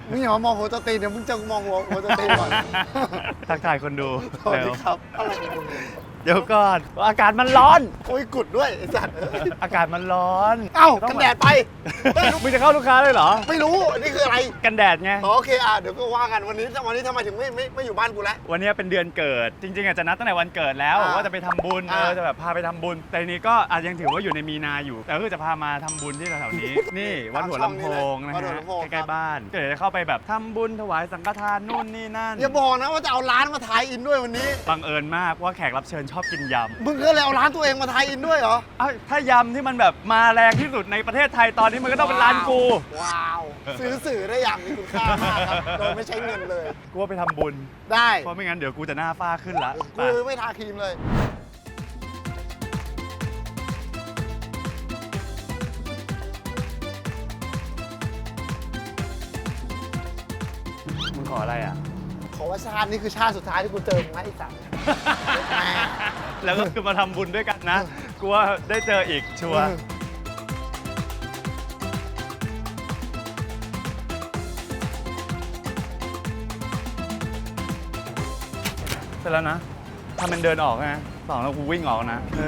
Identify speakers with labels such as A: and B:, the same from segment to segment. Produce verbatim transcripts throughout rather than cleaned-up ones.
A: มึงอย่ามามองหัวตัวตีนเดี๋ยวมึงจะมองหัวหัวตัวตีนก่อน
B: ทักทายคนดู
A: สวัสดีครับอะไรของมึง
B: เดี๋ยวก่อนอากาศมันร้อน
A: โอ้ยกุดด้วยไอ้สัตว์
B: อากาศมันร้อน
A: เอ้ากันแดดไป
B: มึงจะเข้าลูกค้าเลยเหรอ
A: ไม่รู้นี่คืออะไร
B: กันแดดไง
A: อ๋อโอเคอ่ะเดี๋ยวก็ว่ากันวันนี้วันนี้ทำไมถึงไม่ไม่ไม่อยู่บ้านกูแล้ว
B: วันนี้เป็นเดือนเกิด จริงๆอาจจะนัดตั้งแต่วันเกิดแล้ว
A: อ่า
B: ว่าจะไปทำบุญเอ
A: อ่า
B: อจะแบบพาไปทำบุญ แต่ทีนี้ก็อาจยังถือว่าอยู่ในมีนาอยู่ แต่ก็คือจะพามาทำบุญที่แถวๆนี้ นี่วัดหัวลำโพงนะ
A: วัดหัว
B: ฮะ
A: ลำโพง
B: ใกล้ๆบ้านก็เดี๋ยวจะเข้าไปแบบทำบุญถวายสังฆทานนู่นนี่นั่น
A: อย่าบอกนะว่าจะเอาร้านมาทายอินด้วยวันนี้
B: บังเอิญมากว่าแขกรับเชิญชอบกินยำ
A: มึงก็เลยเอาร้านตัวเองมาทายอินด้วยเหรอ
B: เอ้าถ้ายำที่มันแบบมาแรงที่สุดในประเทศไทยตอนนี้มันก็ต้องเป็นร้านกู
A: ว้าวซื้อสื่อได้อย่างมีคุณค่ามากครับโดยไม่ใช้เงินเลย
B: กูว่าไปทำบุญ
A: ได้
B: เพราะไม่งั้นเดี๋ยวกูจะหน้าฝ้าขึ้นละ
A: กูไม่ทาครีมเลย
B: มึงขออะไรอ่ะ
A: ขอว่าชาตินี่คือชาติสุดท้ายที่กูเจอมึงนะไอ้สัตว์ แม่
B: แล้วก็คือมาทำบุญด้วยกันนะ กูว่าได้เจออีกชัวร์เสร็จแล้วนะทำเป็นเดินออกนะสองแล้วกูวิ่งออกนะเออ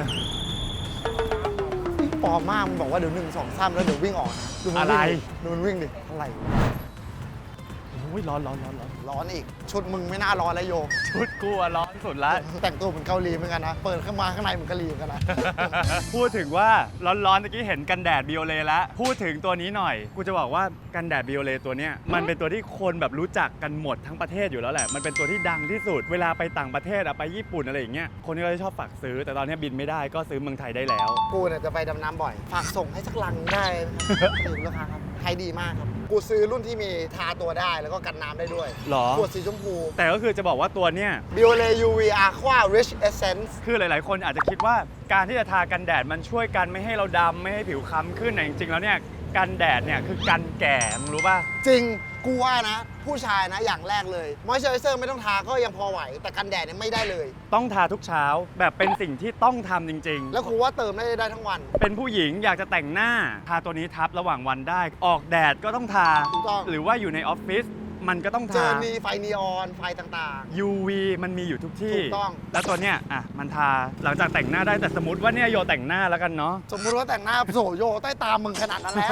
A: ปลอมมากมันบอกว่าเดี๋ยวหนึ่งสองสามแล้วเดี๋ยววิ่งออกนะดูมัน
B: อะไร
A: วิ่งดิดูมันวิ่งดิอะไรวะ
B: โอ้ยร้อนร้อนร้อนร้อน
A: ร้อนอีก ชุดมึงไม่น่าร้อนแล้วโย
B: ชุดกูอะร้อนสุดละ
A: แต่งตัวเหมือนเกาหลีเหมือนกันนะ เปิดเข้ามาข้างในเหมือนเกาหลีเหมือนกันนะ
B: พูดถึงว่าร้อนๆตะกี้เห็นกันแดดบิโอเลแล้วพูดถึงตัวนี้หน่อย กูจะบอกว่ากันแดดบิโอเลตัวเนี้ยมันเป็นตัวที่คนแบบรู้จักกันหมดทั้งประเทศอยู่แล้วแหละมันเป็นตัวที่ดังที่สุดเวลาไปต่างประเทศอะไปญี่ปุ่นอะไรอย่างเงี้ยคนก็จะชอบฝากซื้อ แต่ตอนนี้บินไม่ได้ก็ซื้อเมืองไทยได้แล้ว
A: กูเนี่ยจะไปดำน้ำบ่อย ฝากส่งให้สักลังได้ถึงราคาครับใช้ดีมากครับ กูซื้อรุ่นที่มีทาตัวได้แล้วก็กันน้ำได้ด้วย
B: หรอ
A: ขวดสีชมพู
B: แต่ก็คือจะบอกว่าตัวเนี้ย
A: Biore ยู วี Aqua Rich Essence
B: คือหลายๆ คนอาจจะคิดว่าการที่จะทากันแดดมันช่วยกันไม่ให้เราดำไม่ให้ผิวค้ำขึ้นแต่จริงๆแล้วเนี่ยกันแดดเนี่ยคือกันแก่มึงรู้ป่ะ
A: จริง กูว่านะ ผู้ชายนะอย่างแรกเลยมอยเจอร์เซอร์ไม่ต้องทาก็ยังพอไหว แต่กันแดดเนี่ยไม่ได้เลย
B: ต้องทาทุกเช้าแบบเป็นสิ่งที่ต้องทำจริงๆ
A: แล้วกูว่าเติมได้ได้ทั้งวัน
B: เป็นผู้หญิงอยากจะแต่งหน้าทาตัวนี้ทับระหว่างวันได้ ออกแดดก็ต้องทา
A: ถูกต้อง
B: หรือว่าอยู่ในออฟฟิศมันก็ต้อง
A: เจ
B: ทา
A: อมีไฟนีออนไฟต่าง
B: ยู วี มันมีอยู่ทุกที่
A: ถูกต้อง
B: แล้วตัวเนี้ยอ่ะมันทาหลังจากแต่งหน้าได้แต่สมมติว่าเนี่ยโยแต่งหน้าแล้วกันเนาะ
A: ๆ สมมุติว่าแต่งหน้าโสโยใต้ตามึงขนาดนั้นแล้ว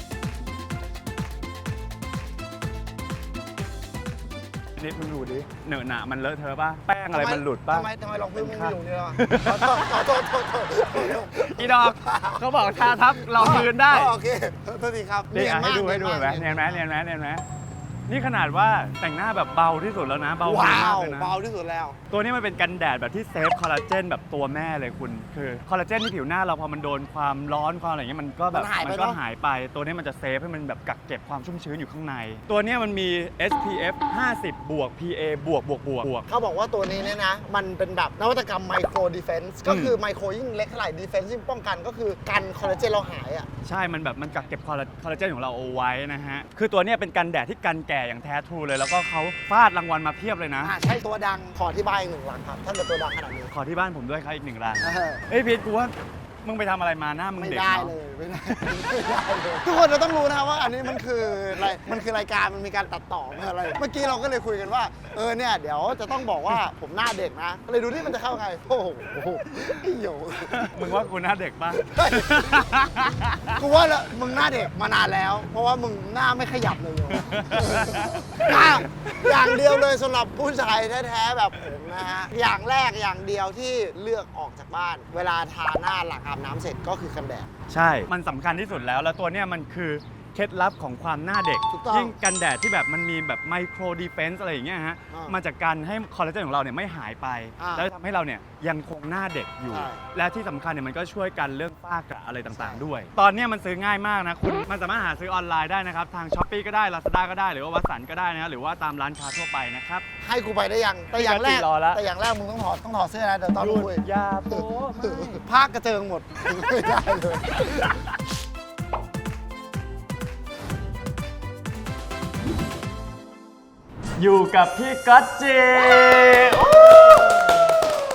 B: นิดมึงดูดิเหนอะหนะมันเลอะเทอะป่ะแป้งอะไรมันหลุดป่ะ
A: ทำไมทำไมลองพื้นมึงไม่อยู่เนี่ยล่ะขอโทษขอโทษขอโทษ
B: อีดอกเขาบอกทาทับเราคืนได้
A: อ๋อโอเคโทษทีครับ
B: นี่อ่ะให้ดูให้ดู
A: เนี
B: เห็
A: ย
B: น
A: น
B: ไหม
A: มาก
B: เนียนไหมเนียนไหมเนียนไหมนี่ขนาดว่าแต่งหน้าแบบเบาที่สุดแล้วนะเบา
A: ว้าม
B: าก
A: ว
B: เลยนะ
A: เบาที่สุดแล้ว
B: ตัวนี้มันเป็นกันแดดแบบที่เซฟคอลลาเจนแบบตัวแม่เลยคุณคือคอลลาเจนที่ผิวหน้าเราพอมันโดนความร้อนความอะไรอย่างเงี้ยมันก็แบบ
A: มันหายไป
B: ก็
A: เนอะ
B: หายไป ตัวนี้มันจะเซฟให้มันแบบกักเก็บความชุ่มชื้นอยู่ข้างใน ตัวนี้มันมี เอส พี เอฟ ห้าสิบ บวก พี เอ บวกบวกบวกบวก
A: เขาบอกว่าตัวนี้เนี่ยนะ มันเป็นแบบนวัตกรรมไมโครดีเฟนซ์ก็คือไมโครยิ่งเล็กเท่าไหร่ดีเฟนซ์ยิ่งป้องกันก็คือกันคอลลาเจนเราหายอ่ะ
B: ใช่มันแบบมันกักเก็บคอลลาคอลลาเจนของเราเอาไว้นะฮะคือตัวเนี้ยเป็นกันแดดที่กันแก่อย่างแท้ทรูเลยแล้วก็เขาฟาดรางวัลมาเพียบเลยนะ
A: อ่าใช่ตัวดังขอที่บ้านอีกหนึ่งหลังครับ ถ้าเกิดตัวดังขนาดนี้
B: ขอที่บ้านผมด้วยครับอีกหนึ่งรัง
A: เออ
B: เอ้ยพีทกูว่ามึงไปทำอะไรมาหน้ามึง
A: ไม่
B: เด็ก
A: ได้
B: เนาะ
A: เลยไม่ได้ไม่ได้เลยทุกคนจะต้องรู้นะครับว่าอันนี้มันคืออะไรมันคือรายการมันมีการตัดต่อมันอะไร เมื่อกี้เราก็เลยคุยกันว่าเออเนี่ยเดี๋ยวจะต้องบอกว่าผมหน้าเด็กนะก็เลยดูที่มันจะเข้าไงโอ้โหไอ้โห
B: มึงว่ากูหน้าเด็กปะ
A: เฮ้ยกูว่าละมึงหน้าเด็กมานานแล้ว เพราะว่ามึงหน้าไม่ขยับเลยโยอ่ะอย่างเดียวเลยสำหรับผู้ชายแท้ๆแบบผมนะฮะอย่างแรกอย่างเดียวที่เลือกออกจากบ้าน เวลาทาหน้าหลังอาบน้ำเสร็จก็คือกันแดด
B: ใช่ มันสำคัญที่สุดแล้ว แล้วตัวเนี้ยมันคือเคล็ดลับของความหน้าเด็ก
A: ถูกต้อง
B: ยิ่งกันแดดที่แบบมันมีแบบไมโครดีเฟนซ์อะไรอย่างเงี้ยฮะ
A: อ่า
B: มาจากการให้คอลลาเจนของเราเนี่ยไม่หายไป
A: อ่า
B: แล้วทำให้เราเนี่ยยังคงหน้าเด็กอยู่
A: ใช่
B: และที่สำคัญเนี่ยมันก็ช่วยกันเรื่องฝ้ากระอะไรต่าง
A: ใช่
B: ๆ ด้วย ตอนเนี้ยมันซื้อง่ายมากนะ คุณ มันสามารถหาซื้อออนไลน์ได้นะครับ ทาง ช้อปปี้ ก็ได้ ลาซาด้า ก็ได้ หรือว่าวัสันก็ได้นะหรือว่าตามร้านค้าทั่วไปนะครับ
A: ให้กูไปได้ยัง แต่อย่างแรก
B: พี่รอละ
A: แต่อย่างแรกมึงต้องถอดต้องถอดเสื้อนะเดี๋ยวตอน
B: หยุ
A: มึ
B: ด
A: งคุย
B: อย่าโป๊ไม่
A: ภาคกระเจิงหมด ไม่ได้เลย
B: อยู่กับพี่ก๊อตจี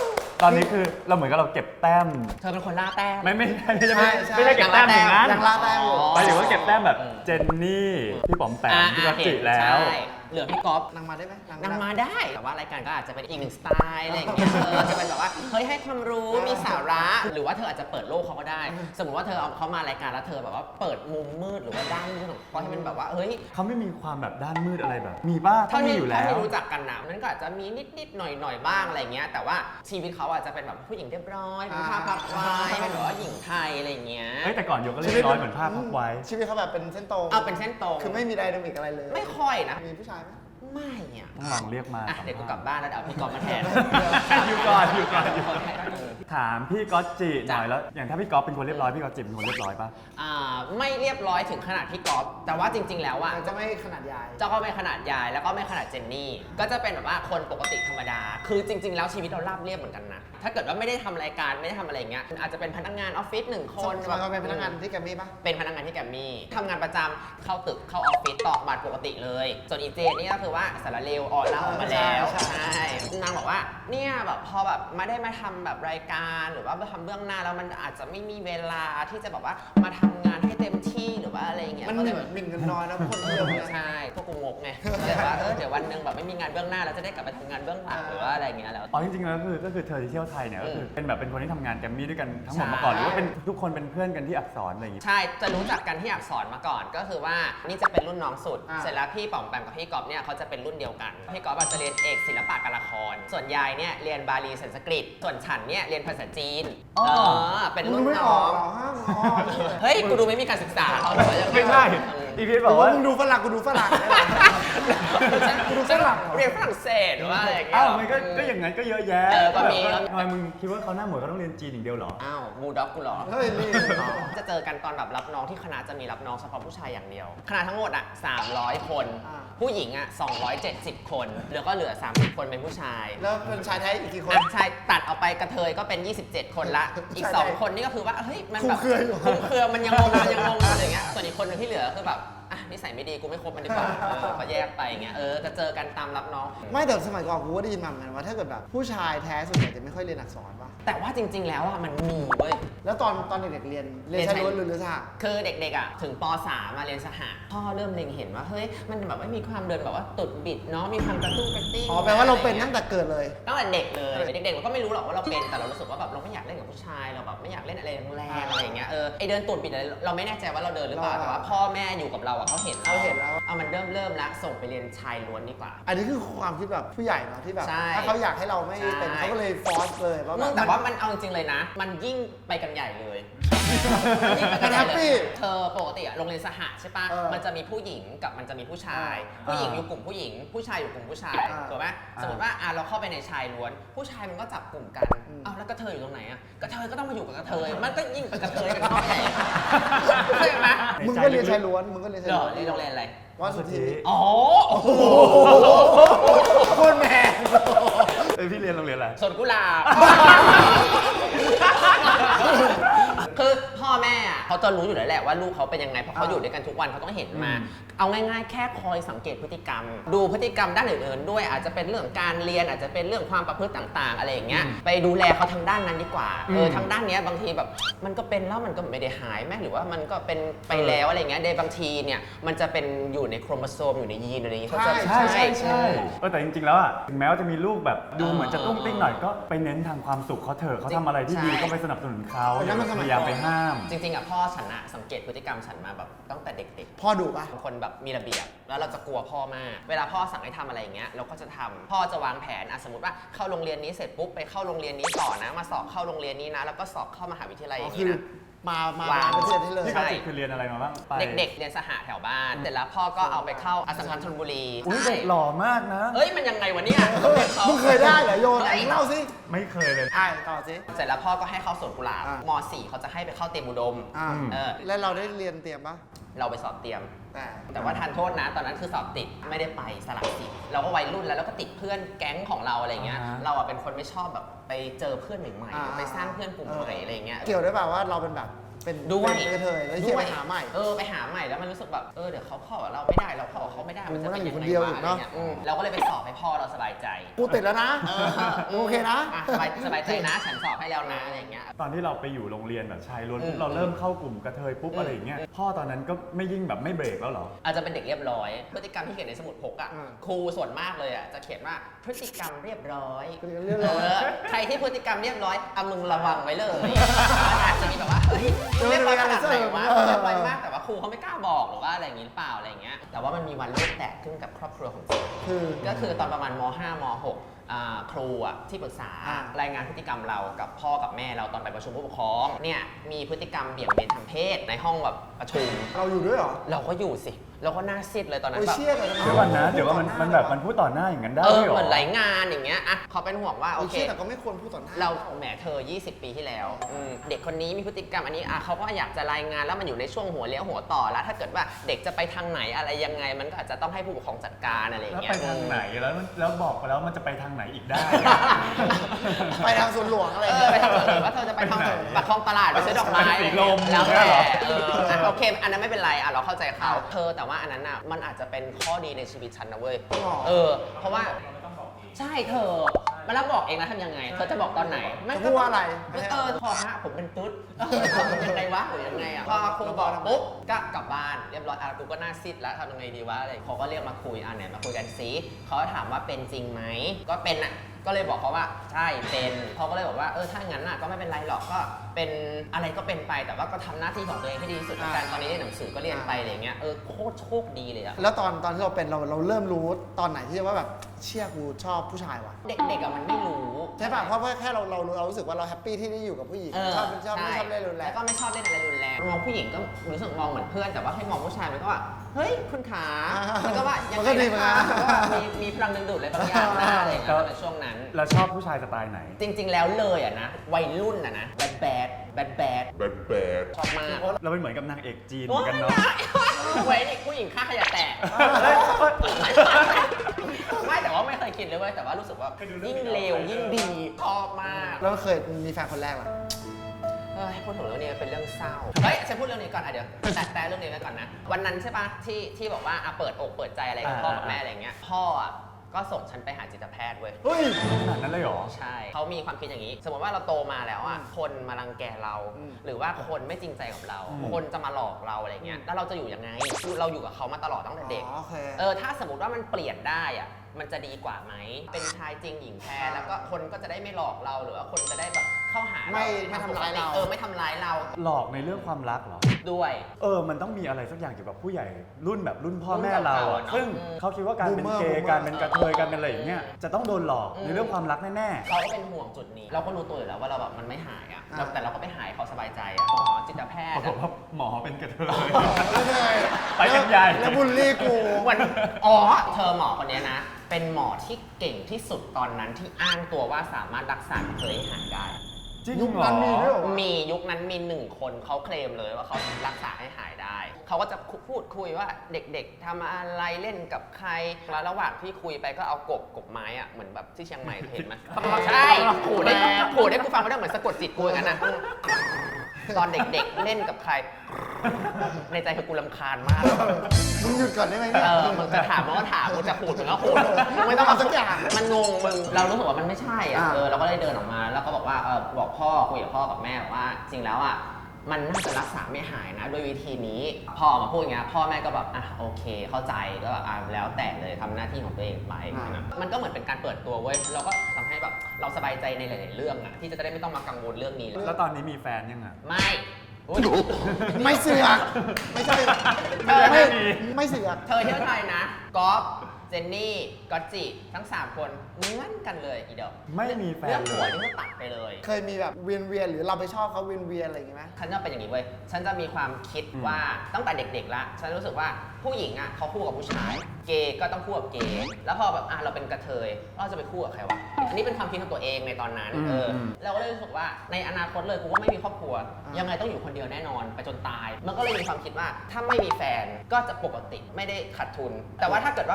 B: ตอนนี้คือเราเหมือนกับเราเก็บแต้ม
C: เธอเป็นคนล่าแต้ม
B: ไม่ไม่ใช่ไม่ใช่
A: ใช่ใช่
B: ไม่ใช่เก็บแต้มอย่างนั้น
A: ยังล่าแต้มอยู่
B: หมายถึงว่าเก็บแต้มแบบเจนนี่พี่ป๋อมแปมพี่กัจจิแล้ว
C: ใช่เหลือพี่ก๊อฟ
A: นางมาได้ไหม
C: นางมาได้ แต่ว่ารายการก็อาจจะเป็นอีกหนึ่งสไตล์อะไรอย่างเงี้ยเออจะเป็นแบบว่า เฮ้ยให้ความรู้ มีสาระ หรือว่าเธออาจจะเปิดโลกเขาก็ได้ สมมติว่าเธอเอาเขามารายการแล้วเธอแบบว่าเปิดมุมมืดหรือว่าด้านมืดของเขาให้มันแบบว่า เฮ้ย
B: เขาไม่มีความแบบด้านมืดอะไรแบบ มีบ้าง
C: เท่า
B: มี
C: ที่
B: อยู่
C: เท่า
B: แล้ว
C: ที่รู้จักกันนะมันก็อาจจะมีนิดๆหน่อยๆบ้างอะไรเงี้ย แต่ว่าชีวิตเขาอาจจะเป็นแบบผู้หญิงเรียบร้อยเป็นภาพพับไว้เป็นแบบว่าหญิงไทยอะไรเงี้ย
B: เฮ้ยแต่ก่อนโยก็เรียบร้อยเหมือนภาพพับไว้
A: ชีวิตเขาแบบเป็นเส้นตรง
C: เอาเป็นเส้นตรง
A: คือไม่มีไดนามิกอะไรเลย
C: ไม่ค่อยนะ
A: มีผู้ชายไหม
C: ไม่อ่ะ
B: ต้องลองเรียกมา
C: อ่ะเดี๋ยวกูกลับบ้านแล้วเดี๋ยวเอาพี่ก๊อฟมาแทน
B: อยู่ก่อนอยู่ก่อนอยู่ก่อน
C: ให้ได้เลย
B: ถามพี่ก๊อตจิหน่อย
C: จ้ะ
B: แล้ว อย่างถ้าพี่ก๊อฟเป็นคนเรียบร้อยพี่ก๊อตจิเป็นคนเรียบร้อยปะ
C: อ่าไม่เรียบร้อยถึงขนาดพี่ก๊อฟแต่ว่าจริง ๆ แล้วอะ
A: มันจะไม่ขนาดใหญ่
C: เจ้าก็ไม่ขนาดยายแล้วก็ไม่ขนาดเจนนี่ ก็จะเป็นแบบว่าคนปกติธรรมดา คือจริง ๆ แล้วชีวิตเราราบเรียบเหมือนกันนะ ถ้าเกิดว่าไม่ได้ทำรายการไม่ได้ทำอะไรอย่างเงี้ยอาจจะเป็นพนักงานออฟฟิศหนึ่งค
A: คน นเราเป็นพนักงานที่แกรมมี่ปะ
C: เป็นพนักงานที่แกรมมี่ทำงานประจำเข้าตึกเข้าออฟฟิศตอกบัตรปกติเลย ส่วนอีเจนนี่ก็คือว่าสารเลวออนเล่าออกมาแล้ว
A: ใช่ใช่
C: ใช่นางบอกว่าเนี่ยแบบพอแบบไม่ได้มาทำแบบรายการหรือว่ามาทำเบื้องหน้าแล้วมันอาจจะไม่มีเวลาที่จะแบบว่ามาทำงานให้เต็มที่หรือว่าอะไรอย่างเงี้ย
A: มัน
C: ก็
A: ห
C: เล
A: มิ่
C: ย
A: น
C: แบบ
A: หมิ่นเงินน้อยนะคนเดียวเนี่ย
C: ใช่พวกกูงกไงแต่ว่าเออเดี๋ยววันหนึงแบบไม่มีงานเบื้องหน้าแล้วจะได้กลับไปทำงานเบื้องหลังหรือว่าอะไรอย่างเงี้ยแล้ว
B: อ๋อจริงๆแล้วคือก็คือเธอที่เที่ยวไทยเนี่ยก็คือเป็นแบบเป็นคนที่ทำงานแกรมมี่ด้วยกันทั้งหมด
C: ใช่
B: มาก่อนหรือว่าเป็นทุกคนเป็นเพื่อนกันที่อักษรอะไรอย่างงี้
C: ใช่จะรู้จักกันที่อักษรมาก่อนก็คือว่านี่จะเป็นรุ่นน้องสุด
A: อ่า
C: เสร็จแล้วพี่ป๋อมแปมกับพี่ก๊อฟเนี่ยเขาจะเป็นรุ่นเดียวกันพี่ก๊อฟอาจจะเรียนเอกศิลปะการละคร ส่วนยายเนี่ยเรียนบาลีสันสกฤตส่วนฉันเนี่ยเรียนภาษาจีน
B: อ๋อ
C: เออเป็นรุ่น
A: ไม่อ
C: น้
A: อ
C: อก ง
A: หรอห้ามอ๋อ
C: เฮ้ยกูดูไม่มีการศึกษาเหรอหรือว่ายังง
B: ไม่ใช่
C: เออ
B: อีพีท
A: บบ อ
B: อก ก
A: ว่า
B: ว่า
A: มึงดูฝรั่งกูดูฝรั่งเนี่ยกูดูฝรั่งเหรอ
C: เรียนฝรั่งเศสหรือว่าอะไรอย่างเงี้ย
B: อ้าวมันก็ก็อย่างนั้นก็เยอะแยะ
C: เออก็มี
B: แบบทำไมมึงคิดว่าเขาหน้าเหมือนเขาต้องเรียนจีนอย่างเดียวเหรอ
C: อ้าวบูด็อกกูเหรอ
A: เฮ้ยนี่
C: จะเจอกันตอนแบบรับน้องที่คณะจะมีรับน้องเฉพาะผู้ชายอย่างเดียว คณะทั้งหมดอ่ะสามร้อยคน
A: อ่า
C: ผู้หญิงอ่ะสองร้อยเจ็ดสิบคนแล้วก็เหลือสามสิบคนเป็นผู้ชาย
A: แล้วเป็นชายแท้อีกกี่คน
C: อ่ะชายตัดออกไปกระเทยก็เป็น ยี่สิบเจ็ด คนละ อีก
A: ใช่
C: สอง คนนี่ก็คือว่าเฮ้ยมันแบบ
A: คลุมเครืออยู่
C: คลุมเครือมันยังงงมันยังงงอะไรอย่างเงี้ยส่วนอีกคนหนึงที่เหลือคือแบบอ่ะนิสัยไม่ดีกูไม่คบมันดีกว่าเออก็แยกไปอย่างเงี้ยเออจะเจอกันตามรับน้อง
A: ไม่แต่สมัยก่อนกูก็ได้ยินมาเหมือนกันว่าถ้าเกิดแบบผู้ชายแท้ส่วนใหญ่จะไม่ค่อยเรียนอักษรป่ะ
C: แต่ว่าจริง ๆ แล้วอ่ะมันมีเว้ย
A: แล้วตอนตอนเด็กๆเรียนเรียนชายล้วนหรือเรียนสห
C: คือเด็กๆอ่ะถึงป .สาม มาเรียนสหะพ่อเริ่มเล็งเห็นว่าเฮ้ยมันแบบว่ามีความเดินแบบว่าตุดบิดเนาะมีความกระตุ้งกระติ้ง
A: อ๋อแปลว่าเราเป็นตั้งแต่เกิดเลย
C: ตั้งแต่เด็กเลยเด็กๆเราก็ไม่รู้หรอกว่าเราเป็นแต่เรารู้สึกว่าแบบเราไม่อยากเล่นกับผู้ชายเราแบบไม่อยากเล่นอะไรแรงๆอะไรอย่างเงี้ยเออไอเดินตุดบิดอะไรเราไม่แน่ใจว่าเราเดินหรือเปล่า
A: เรา
C: แต่ว่าพ่อแม่อยู่กับเราอ่ะเขาเห็น
A: เขาเห็นแล้ว
C: เอามันเริ่มเริ่มละส่งไปเรียนชายล้วนดีกว่า
A: อันนี้คือความคิดแบบผู้ใหญ่เนาะที่แบบ
C: ใช่
A: ถ้าเขาอยากให้เราไม่เป็น
C: ใช่
A: เขาก็เลยฟอร์สเลยว่า
C: มึง
A: บบ
C: แต่ว่ามันเอาจริงๆเลยนะ มันยิ่งไปกันใหญ่เลยยิ่งไป
A: มั
C: กัน
A: น
C: ให
A: แฮ
C: ญ่
A: ป
C: เลย
A: ปี้
C: เธอปกติอะโรงเรียนสหะใช่ปะ
A: เออ
C: มันจะมีผู้หญิงกับมันจะมีผู้ชาย
A: อ่า
C: ผู้หญิงอยู่กลุ่มผู้หญิง ผู้ชายอยู่กลุ่มผู้ชาย
A: อ่า
C: ถูกไหม
B: อ่า
C: สมมติว่าอ่ะเราเข้าไปในชายล้วน ผู้ชายมันก็จับกลุ่มกัน
A: อืม
C: อ้าวแล้วกระเทยอยู่ตรงไหนอะกระเทยก็ต้องมาอยู่กับกระเทย มันก็ยิ่งเป็นกระเทยกันเข้าไปใหญ่เข้าใจไหม
A: มึงก็เรียนชายล้วนมึงก็เรียนชาย
C: เหรอ
A: ล้วน
C: เรียนโรงเรียนอะไร
A: วัดสุทธิ
C: อ๋อโอ้โห
A: โคตรแมน
B: เอ้ยพี่เรียนโรงเรียนอะไร
C: สวนกุหลาบ คือพ่อแม่อะเขาจะรู้อยู่แล้วแหละว่าลูกเขาเป็นยังไงเพราะเขาอยู่ด้วยกันทุกวันเขาต้องเห็นมา
B: อืม
C: เอาง่ายๆ แค่คอยสังเกตพฤติกรรม ดูพฤติกรรมด้านอื่นๆ ด้วยอาจจะเป็นเรื่องการเรียนอาจจะเป็นเรื่องความประพฤติต่างๆ อะไรอย่างเงี้ยไปดูแลเขาทางด้านนั้นดีกว่าเออทางด้านเนี้ยบางทีแบบมันก็เป็นแล้วมันก็ไม่ได้หายแม่หรือว่ามันก็เป็นไปแล้วอะไรเงี้ยในบางทีเนี่ยมันจะเป็นอยู่ในโครโมโซมอยู่ในยีนอะไรอย่างเงี้ยเขาจะ
B: ใช่ใช่ใช่เออแต่จริงๆแล้วอ่ะถึงแม้ว่าจะมีลูกแบบดูเหมือนจะตุ้งติ้งหน่อยก็ไปเน้นทางความสุขเขาเถอะเขาทำอะไรที่ดีก็ไปสนับสนุนเขา
A: อันนั้นมันส
B: พ
A: มัยก่อน
B: ยายามไปห้าม
C: จริงๆอ่ะพ่อฉันอะสังเกตพฤติกรรมฉันมาแบบตั้งแต่เด็กๆ
A: พ่อดุปะ
C: เป็นคนแบบมีระเบียบแล้วเราจะกลัวพ่อมาก เวลาพ่อสั่งให้ทำอะไรอย่างเงี้ยเราก็จะทำพ่อจะวางแผนอ่ะสมมติว่าเข้าโรงเรียนนี้เสร็จปุ๊บไปเข้าโรงเรียนนี้ต่อนะ มาสอบเข้าโรงเรียนนี้นะ แล้วก็สอบเข้ามหาวิทยาลัยอ
A: อ๋อย่าง
C: งี้
A: คือ
C: นะ
A: มามา
C: วาง
A: เป็นเซตให้เลย
B: พี่
C: ใช่
B: กอจิคือเรียนอะไรมาบ้างไป
C: เด็กๆ เรียนสหะแถวบ้านเสร็จแล้วพ่อก็เอาไปเข้าอัสสัมชัญธนบุรี
B: อุ้ย
C: ใช่
B: เด็กหล่อมากนะ
C: เอ้ยมันยังไงวะเนี่ยขา
A: มึงเคยได้เหรอโยนไหนเล่าสิ
B: ไม่เคยเลย
A: อ่าต่อสิ
C: เสร็จแล้วพ่อก็ให้เข้าสวนกุหลาบ
A: อ่ะ
C: ม .สี่ เขาจะให้ไปเข้าเตรียมอุดม
A: อ่า
B: อืม
C: เออ
A: แล้วเราได้เรียนเตรียมปะ
C: เราไปสอบเตรียม
A: แต่
C: แต่ว่าทานโทษนะตอนนั้นคือสอบติดไม่ได้ไปสลับสิทธิ์เราก็วัยรุ่นแล้วเราก็ติดเพื่อนแก๊งของเราอะไรเงี้ย
B: อ่าฮะ
C: เราอะเป็นคนไม่ชอบแบบไปเจอเพื่อนใหม่
A: อ่า
C: ๆไปสร้างเพื่อนกลุ่มใหม่อะไรเงี้ย
A: เกี่ยวด้วยเปล่าว่าเราเป็นแบบเป็น
C: ด้วย
A: เป็นกระเทยแล้วเฮียไปหาใหม่
C: เออไปหาใหม่แล้วมันรู้สึกแบบเออเดี๋ยวเขาเข้ากับเราไม่ได้เราเข้ากับเขาไม่ได้มันจะเป็นยัง
A: มัน
C: ไง
A: อยู่คนเดียว
C: วะ
A: อยู่
C: อะไร
A: เนอะ
C: เงี้ยอืมเราก็เลยไปสอบให้พ่อเราสบายใจ
A: กูติดแล้วนะ
C: เออ
A: โอเคนะ
C: อ่สบายสบายใจนะฉันสอบให้แล้วนะอะไรอย่างเงี้ย
B: ตอนที่เราไปอยู่โรงเรียนแบบชายล้วนปุ๊บ
C: อืม
B: เราเริ่มเข้ากลุ่มกระเทยปุ๊บ
C: อืม
B: อะไรอย่างเงี้ยพ่อตอนนั้นก็ไม่ยิ่งแบบไม่เบรกแล้วเหรอ
C: อาจจะเป็นเด็กเรียบร้อย พฤติกรรมที่เขียนในสมุดพกอ่ะ
A: อืม
C: ครูส่วนมากเลยอ่ะจะเขียนว่าพฤติกรรมเรียบร้อย
A: พฤติกรรมเรียบร้อย
C: เออใครที่พฤติกรรมเรียบร้อยเอามึงระวังไว้เลยอาจจะมีแบบว่าเฮ้ยมึงเรียบร้อยขนาดไหนวะเรียบร้อยมากแต่ว่าครูเขาไม่กล้าบอกหรือว่าอะไรอย่างงี้หรือเปล่าอะไรอย่างเงี้ยแต่ว่ามันมีวันโลกแตกขึ้นกับครอบครัวของจิ๊บ
A: คือ
C: ก็คือตอนประมาณม ห้า ม หกอ่าครูอ่ะที่ปรึกษา
A: อ่าร
C: ายงานพฤติกรรมเรากับพ่อกับแม่เราตอนไปประชุมผู้ปกครองเนี่ยมีพฤติกรรมเบี่ยงเบนทางเพศในห้องแบบประชุม
A: เราอยู่ด้วยเหรอ
C: เราก็อยู่สิเราก็หน่าซีดเลยตอนนั้น
A: โอ้ย
C: แบบ
A: เชี่ยเลย
B: เดี๋ยวก่อนนะเดี๋ยวว่ามันมันแบบมันพูดต่อหน้าอย่างนั้นได้
C: เออ
B: ด้วยเหรอ
C: เหมือนหลายงานอย่างเงี้ยอ่ะเขาเป็นห่วงว่าโอ
A: โอ
C: เค
A: เคแต่ก็ไม่ควรพูดต่อหน้า
C: เราแหมเธอ ยี่สิบ ปีที่แล้วอืมเด็กคนนี้มีพฤติกรรมอันนี้อ่ะเขาก็อยากจะรายงานแล้วมันอยู่ในช่วงหัวเลี้ยวหัวต่อแล้ว ถ้าเกิดว่าเด็กจะไปทางไหนอะไรยังไง มันก็อาจจะต้องให้ผู้ปกครองจัดการอะไรอย่าง
B: แล้ว
C: เงี้ย
B: ไปทางไหนแล้วมันแล้วบอกไปแล้วมันจะไปทางไหนอีกได้
A: ไปทางสวนหลวงอะไร
C: เอ
A: เงี้
C: อย ไปทางไหนว่าเธอจะไปทาง
B: ไปไหน
C: ปากคลองตลาดไปซื้อดอกไม้
B: ไปสีลม
C: แล้วแต่
B: เนี่ยเหรอ
C: เอออ่ะโอเคอันนั้นไม่เป็นไรอ่ะเราเข้าใจเขาเธอแต่ว่าอันนั้นอ่ะมันอาจจะเป็นข้อดีในชีวิตฉันนะเว้ยเออเพราะว่าใช่เธอมาแล้วบอกเองนะทำยังไง เธอจะบอกตอนไหน
A: จะพูดว่าอะไร
C: เออพอฮะผมเป็นตุ๊ดเออทำยังไงวะหรือยังไงอ่ะพอครูบอกปุ๊บก็กลับบ้านเรียบร้อยอ่ะกูก็หน้าซีดแล้วทำยังไงดีวะอะไรเขาก็เรียกมาคุยอ่ะเนี่ยมาคุยกันซิเขาก็ถามว่าเป็นจริงไหมก็เป็นอ่ะก็เลยบอกเขาว่าใช่เป็นเขาก็เลยบอกว่าเออถ้างั้นน่ะก็ไม่เป็นไรหรอกก็เป็นอะไรก็เป็นไปแต่ว่าก็ทำหน้าที่ของตัวเองให้ดีที่สุดแล้วกันตอนนี้เรียนหนังสือก็เรียนไปอะไรเงี้ยเออโคตรโชคดีเลยอะ
A: แล้วตอนตอนที่เราเป็นเราเราเริ่มรู้ตอนไหนที่ว่าแบบเชี่ยกูชอบผู้ชายวะ
C: เด็กๆอะมันไม่รู้
A: ใช่ป่ะเพราะว่าแค่เราเราเรารู้สึกว่าเราแฮปปี้ที่ได้อยู่กับผู้หญิง
C: เออ
A: ชอบชอบไม่
C: ใ
A: ชอบเล่นรุนแร
C: แล้
A: ง
C: วก็ไม่ชอบเล่นอะไรรุนแรงมองผู้หญิงก็รู้สึกมองเหมือนเพื่อนแต่ว่าให้มองผู้ชายมันก็ว่าเฮ้ยคุณขา
A: อ่ามั
C: มันก็ว่ายัง
A: มัน
C: ไง
A: ก็ดี
C: นะ
A: เหมือน
C: คะ
A: กัน
C: ก็ว่ามีมีพลังดึงดูดอะไรบางอย่างนะอะไรอย่างเงี้ยในช่วงนั้น
B: เราชอบผู้ชายสไตล์ไหน
C: จริง ๆ แล้วเลยอะนะวัยรุ่นอะนะแบดแบดแบดแบด
D: Bad bad
C: ชอบมาก
B: เราเป็นเหมือนกับนางเอกจีนเหมือนกันเนาะ
C: เว้ยนี่ผู้หญิงฆ่าขยะแตก ไม่แต่ว่าไม่เคยคิดเลยเว้ยแต่ว่ารู้สึกว่ายิ่งเลวยิ่งดีชอบมาก
A: แล้วเคยมีแฟนคนแรกเหรอ
C: เฮ้ยพูดถึงเรื่องนี้เป็นเรื่องเศร้าเฮ้ยฉันพูดเรื่องนี้ก่อนอ่ะเดี๋ยวแต่แต่เรื่องนี้ไว้ก่อนนะวันนั้นใช่ปะที่ที่บอกว่าอ่ะเปิดอกเปิดใจอะไรกับพ่อกับแม่อะไรอย่างเงี้ยพ่ออ่ะก็ส่งฉันไปหาจิตแพทย์เว้ย
A: เฮ้ย
B: ขนาดนั้นเลยเหรอ
C: ใช่เขามีความคิดอย่างนี้ สมมติว่าเราโตมาแล้วอ่ะคนมารังแกเรา
A: อืม
C: หรือว่าคนไม่จริงใจกับเรา
B: อืม
C: คนจะมาหลอกเราอะไรเงี้ยแล้วเราจะอยู่ยังไงเราอยู่กับเขามาตลอดตั้งแต่เด็ก
A: อ๋อโอเค
C: เออถ้าสมมติว่ามันเปลี่ยนได้อะมันจะดีกว่าไหม เป็นชายจริงหญิงแท้แล้วก็คนก็จะได้ไม่หลอกเราหรือว่าคนจะได้แบบเข้าหาเรา
A: ไม่ไม่ทำร้ายเรา
C: เออไม่ทำร้ายเรา
B: หลอกในเรื่องความรักเหรอ
C: ด้วย
B: เออ มันต้องมีอะไรสักอย่างเกี่ยวกับผู้ใหญ่รุ่นแบบรุ่นพ่อ
C: รุ่น
B: แม่เรา
C: เก่าๆ
B: อะ
C: เนอะ
B: ซึ่ง
C: อืม
B: เขาคิดว่าการเป็น
A: Boomer
B: เกย์
A: Boomer
B: การเป็นกระเทยการเป็นอะไรอย่างเงี้ย จะต้องโดนหลอก
C: อืม
B: ในเรื่องความรักแน่
C: เขาก็เป็นห่วงจุดนี้ เราก็รู้ตัวอยู่แล้วว่าเราแบบมันไม่หายอ่ะ
A: อ่า
C: เราแต่เราก็ไปหายเขาสบายใจอ่ะหมอจิตแพ
B: ๆ
C: ท
B: ปรา
C: ย์
B: กฏ
C: อะ
B: ว่าหมอเป็นกระเทย
A: ไม่ได้
B: ไปกันใหญ่
A: แล้วบุลลี่กู
C: วันอ๋อเธอหมอคนเนี้ยนะ เป็นหมอที่เก่งที่สุดตอนนั้นที่อ้างตัวว่าสามารถรักษากระเทยให้หายได้
B: จริง
A: ยุค
B: เหรอ
A: นั้นมีด้วยเหรอวะ
C: มียุคนั้นมีหนึ่งคนเขาเคลมเลยว่าเขารักษาให้หายได้ เขาก็จะพูดคุยว่าเด็กๆทำอะไรเล่นกับใครแล้วระหว่างที่คุยไปก็เอากบกบไม้อะเหมือนแบบที่เชียงใหม่เห็นไหมใช่ขู่ได้ขู่ได้กูฟังไม่ได้เหมือนสะกดจิตกูอย่างนั้นนะตอนเด็กๆเล่นกับใคร ในใจคือกูรำคาญมาก
A: มึงหยุดก่อนได้ไหมเนี่ย
C: เออมึงจะถามมันก็ถามมึงจะพูดมึงก็พูดไม่ต้อง
A: เอาสักอย่าง
C: มันงงมึงเรารู้สึกว่ามันไม่ใช่อ่ะ
A: อ่า
C: เออเราก็เลยเดินออกมา แล้วก็บอกว่าเออบอกพ่อคุยกับพ่อกับแม่บอกว่าจริงแล้วอ่ะมันน่าจะรักษาไม่หายนะด้วยวิธีนี้พ่อออกมาพูดอย่างเงี้ยพ่อแม่ก็แบบอ่ะโอเคเข้าใจก็แบบอ่ะแล้วแต่เลยทำหน้าที่ของตัวเองไปนะมันก็เหมือนเป็นการเปิดตัวเว้ยเราก็ทำให้แบบเราสบายใจในหลายๆเรื่องอ่ะที่จะได้ไม่ต้องมากังวลเรื่องนี้แล้ว
B: แล้วตอนนี้มีแฟนยังอ่ะ
C: ไม่อุ๊ย
A: ไม่เสือกไม่ใช่
C: เออ
A: ไม่ไม่เสือก
C: เธอเที่ยวไทยนะก๊อฟเจนนี่ก๊อตจิทั้งสามคนเหมือนกันเลยอีดอก
B: ไม่มีแฟน
C: เรื่อง
B: เล
C: หัวย นี่ก็ตัดไปเลย
A: เคยมีแบบเวียนเวียนๆหรือเราไปชอบเขาเวียนเวียนๆอะไรอย่างงี้ไหม
C: ฉันจะเป็นอย่างนี้เว้ย ฉันจะมีความคิด
B: อืม
C: ว่าตั้งแต่เด็กๆละฉันรู้สึกว่าผู้หญิงอ่ะเขาคู่กับผู้ชาย เกย์ก็ต้องคู่กับเกย์ แล้วพอแบบอ่ะเราเป็นกระเทยเราจะไปคู่กับใครวะ อันนี้เป็นความคิดของตัวเองในตอนนั้น เออ เราก็เลยรู้สึกว่าในอนาคตเลยกูก็ไม่มีครอบครัว ยังไงต้องอยู่คนเดียวแน่นอนไปจนตาย มันก็เลยมีความคิดว่าถ้าไม่มีแฟนก็จะปกติไม่ได้ขาดทุน แต่ว่าถ้าเกิดว่ามีแฟนปุ๊บ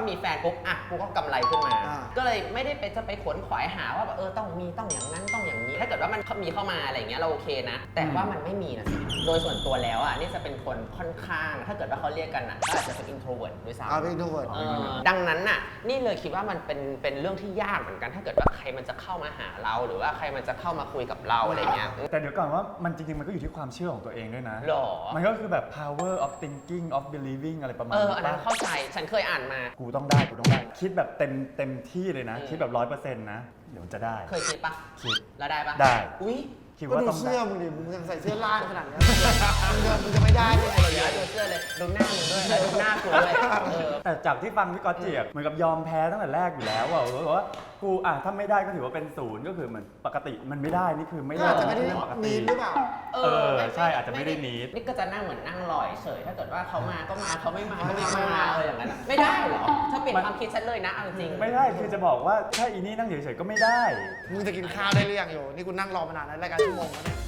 C: ปุ๊บอ่ะกูก็กำไรขึ้นมา
A: อ่า
C: ก็เลยไม่ได้ไปจะไปขวนขวายหาว่าแบบเออต้องมีต้องอย่างนั้นต้องอย่างนี้ ถ้าเกิดว่ามันมีเข้ามาอะไรอย่างเงี้ยเราโอเคนะ แต่ว่ามันไม่มีนะสิโดยส่วนตัวแล้วอ่ะนี่จะเป็นคนค่อนข้าง ถ้าเกิดว่าเขาเรียกกันอ่ะก็อาจจะเป็น introvert ด้วยซ้ำ
A: อ่าเป็น introvert
C: เออดังนั้นน่ะนี่เลยคิดว่ามันเป็นเป็นเรื่องที่ยากเหมือนกัน ถ้าเกิดว่าใครมันจะเข้ามาหาเรา หรือว่าใครมันจะเข้ามาคุยกับเราอะไรเงี้ย
B: แต่เดี๋ยวก่อนว่ามันจริงๆมันก็อยู่ที่ความเชื่อของตัวเองด้วยนะ
C: หรอ
B: มันก็คือแบบ power of thinking of believing อะไรประมาณ
C: เออ
B: นี้
C: อันนั้น
B: ปะ
C: เข้าใจฉันเคยอ่านมา
B: กูต้องได้กูต้องได้ คิดแบบเต็มเต็มที่เลยนะ
C: อืม
B: คิดแบบร้อยเปอร์เซ็นต์นะ เดี๋ยวจะได้
C: เคยคิดปะ
B: คิด
C: แล้วได้ปะ
B: ได้
C: อุ้ย
B: คิด
A: ก็
B: ว่า
A: ดู
B: ต้องได้
A: เสื้อมึงดิ มึงยังใส่เสื้อล่างขนาดเนี้ยมึงจะมึงจะไม่ได้ยังไง
C: เดี๋ยว
A: เนี่ย
C: ดูเสื้อเลยดูหน้ามึงด้วยดูหน้ากูด้วยเออ
B: แต่จากที่ฟังพี่ก๊อตเจียบเหมือนกับยอมแพ้ตั้งแต่แรกอยู่แล้วว่าบอกว่ากูอ่ะถ้าไม่ได้ก็ถือว่าเป็นศูนย์ก็คือเหมือนปกติมันไม่ได้นี่คือไม่
A: ก็
B: ได้
A: อาจจะไม่ได้
B: เรื่องปก
A: นี
B: ติ
A: ดหรือเปล่า
B: เออใช่อาจจะไม่ได้ need
C: นี่ก็จะนั่งเหมือนนั่งลอยเฉยถ้าเกิดว่าเขามาก็มาเขาไม่มาก็ไม่มาเอออย่างนั้นอะไม่ได้เหรอถ้าเปลี่ยนความคิดฉันเลยนะเอาจริง
B: ไม่ได้คือจะบอกว่าถ้าอีนี่นั่งเฉยๆก็ไม่ได้
A: มึงจะกินข้าวได้หรือยังโยนี่กูนั่งรอมานานแล้วรายการชั่วโมงแล้วเนี่ย